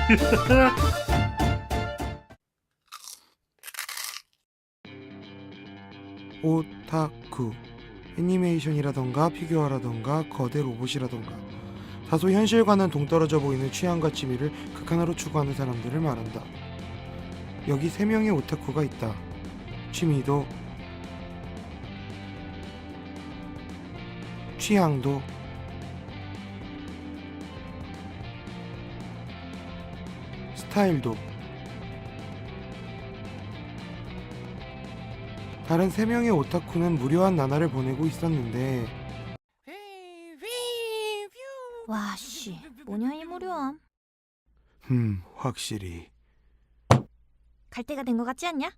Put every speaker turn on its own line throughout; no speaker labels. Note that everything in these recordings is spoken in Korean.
오타쿠, 애니메이션이라던가 피규어라던가 거대 로봇이라던가 다소 현실과는 동떨어져 보이는 취향과 취미를 극하나로 추구하는 사람들을 말한다. 여기 3명의 오타쿠가 있다. 취미도 취향도 스타일도 다른 3명의 오타쿠는 무료한 나날을 보내고 있었는데
와, 씨, 뭐냐 이 무료함.
확실히
갈 때가 된 것 같지 않냐?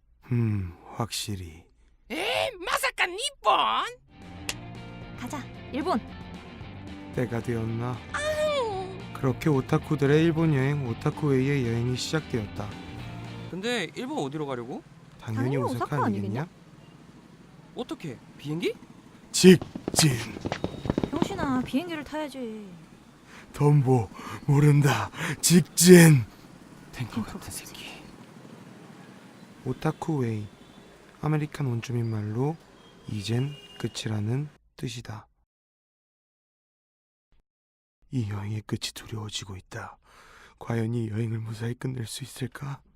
확실히
마사카 니폰?
가자, 일본.
때가 되었나. 그렇게 오타쿠들의 일본 여행 오타쿠웨이의 여행이 시작되었다.
근데 일본 어디로 가려고?
당연히
당연히
오사카
오사카
아니겠냐?
어떻게? 비행기?
직진.
병신아, 비행기를 타야지.
덤보 모른다. 직진.
탱커 같은 새끼.
오타쿠웨이, 아메리칸 원주민 말로 이젠 끝이라는 뜻이다. 이 여행의 끝이 두려워지고 있다. 과연 이 여행을 무사히 끝낼 수 있을까?